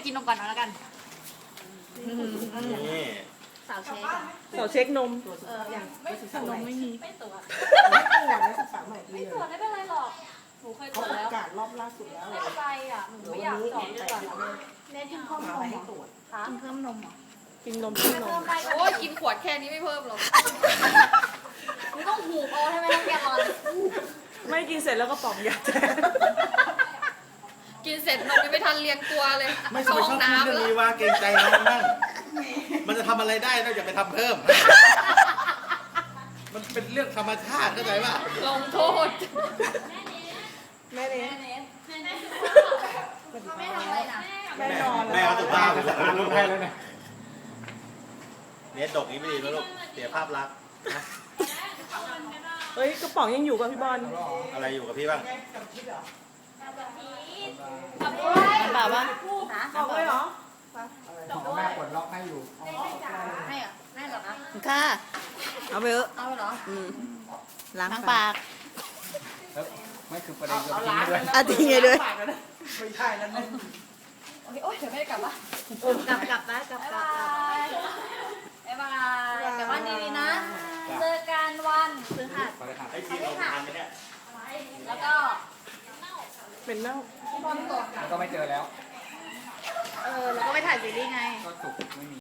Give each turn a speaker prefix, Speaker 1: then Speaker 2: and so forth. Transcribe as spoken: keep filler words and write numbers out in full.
Speaker 1: กินนมก่อนแล้วกัน
Speaker 2: นี่
Speaker 1: สาวเช็ค
Speaker 3: เสาเช็คนม
Speaker 1: เออไม่ตรวจนมไม่มีไม่ตรวจ
Speaker 4: ไม่ตรวจนักศึกษาใหม่ดี
Speaker 1: ไม่
Speaker 4: เล
Speaker 1: ตรวจ
Speaker 4: ย
Speaker 1: ไม่เป็นไรหรอกหนูเคยตร
Speaker 4: เขา
Speaker 1: วจ
Speaker 4: ป
Speaker 1: แล้ว
Speaker 4: ระกาศรอบล่าสุดแล้ว
Speaker 1: ไม่เป็นไรอ่ะหนูไม่อยากตรวจดีกว่าเน้นกินเพิ่มน
Speaker 4: มาม ให้
Speaker 1: เหรอ
Speaker 4: ตรวจ
Speaker 1: คะกินเพิ่มนมเหรอ
Speaker 3: กินนมกินน
Speaker 1: เพิ่
Speaker 3: ม
Speaker 1: มไป
Speaker 5: โอ้ยกินขวดแค่นี้ไม่เพิ่มหรอก
Speaker 1: หนูต้องหูบเอาใช่ไหมต้องแกลลอน
Speaker 3: ไม่กินเสร็จแล้วก็ป๋องยาแทน
Speaker 5: กินเสร็จนมยังไม่ทันเรียงตัวเลย
Speaker 2: ไม่ช
Speaker 5: เข้า
Speaker 2: อบ
Speaker 5: ห้อง
Speaker 2: พูด
Speaker 5: น้ำ
Speaker 2: เรื่อง
Speaker 5: แล้ว
Speaker 2: นี้ว่าเกรงใจน้องบ้างมันจะทำอะไรได้นอกจากไปทำเพิ่ม มันเป็นเรื่องธรรมชาติเข้าใจป่ะ
Speaker 5: ลงโทษ
Speaker 3: แม่เลี้ยง
Speaker 1: เขาไม่ทำอะไรนะ
Speaker 3: แม่นอน
Speaker 2: แม่เอาสุภาพ
Speaker 6: จะอ่านรูปให้แล้วเนี่ย
Speaker 2: เนี่ยดกนี้ไม่ดีแล้วลูกเสียภาพลักษณ์นะ
Speaker 3: เฮ้ยกระป๋องยังอยู่ป่ะพี่บอล
Speaker 2: อะไรอยู่กับพี่บ้าง
Speaker 3: เปล่าปะ
Speaker 1: ฮะ
Speaker 3: บอกเลยเหรอ
Speaker 6: แม่กดล็อกให้อยู่
Speaker 1: ให้เหรอให้เหรอคะ
Speaker 3: ค่ะเอาไปเถอะ
Speaker 1: เอาเหรอ
Speaker 3: ล้างปาก
Speaker 6: แล้วไม่คือประเด็นคือทิ้งด้วย
Speaker 3: อ่ะทิ้งไงด้วย
Speaker 4: ไม่ใช่แล้วนะ
Speaker 5: โอ้ยโอ๊ยเดี๋ยวไม่ได้กลับวะ
Speaker 1: กลับกลับนะกลับกลับบ๊ายบายกลับบ้านดีๆนะ เจอกันวันพฤหัส
Speaker 6: ไปเลยครับ
Speaker 2: ไอ้ทีมเราทานไหมเนี่ย
Speaker 1: แล้วก็
Speaker 3: เป็นเน่า
Speaker 1: พี่บอลตก
Speaker 6: ก็ไม่เจอแล้ว
Speaker 1: เออ แล้วก็ไปถ่ายซีรีส์ไง
Speaker 6: ก็สุกไม่มี